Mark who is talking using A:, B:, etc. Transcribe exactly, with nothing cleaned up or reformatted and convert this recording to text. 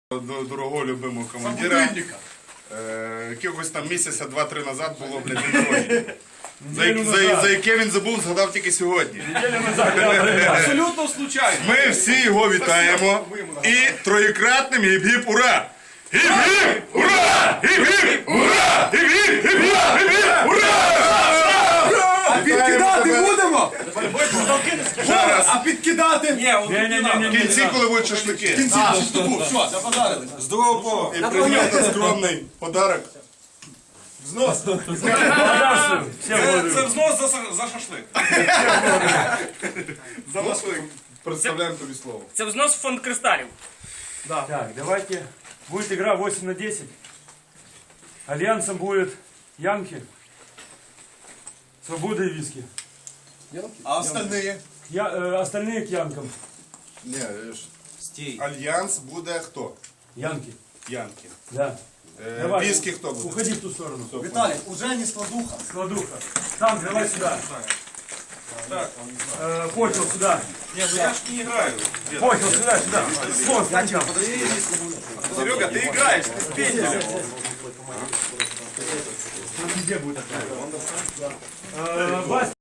A: До дорогого любимого командира. Е, якогось там місяця два-три назад було, блядь, день народження. За, за, за яке він забув, згадав тільки сьогодні.
B: Абсолютно случайно.
A: Ми всі його вітаємо. І троєкратним гіп-гіп ура! Гіп-гіп ура! Гіп-гіп ура! Гіп-гіп, гіп-гіп, гіп-гіп ура!
B: А підкидати будемо?
A: Зараз.
B: А підкидати? Ні,
A: В кінці, коли будуть шашлики.
B: все, заподарили. Здорово.
A: І прийняти скромний подарок.
B: Взнос. Це взнос за шашлик.
A: За шашлик. Представляємо тобі слово.
C: Це взнос в фонд кристалів.
D: Так, давайте. Будет игра восемь на десять. Альянсом будет Янки, Свобода и Виски.
B: А остальные?
D: Я, э, остальные к Янкам.
A: Ні, ж. Альянс буде хто?
D: Янки.
A: Янки.
D: Да.
A: Е,
D: Давай.
A: Віскі хто буде?
D: Уходи в ту сторону.
B: Виталий, уже не складуха.
D: Складуха. Там, давай сюда. Э, Почел сюда.
B: Не, ну я ж не играю.
D: Почел сюда, сюда. Вон, там.
B: Серега, ты играешь, ты с пенделем.
D: Там везде будет. Э, Вась.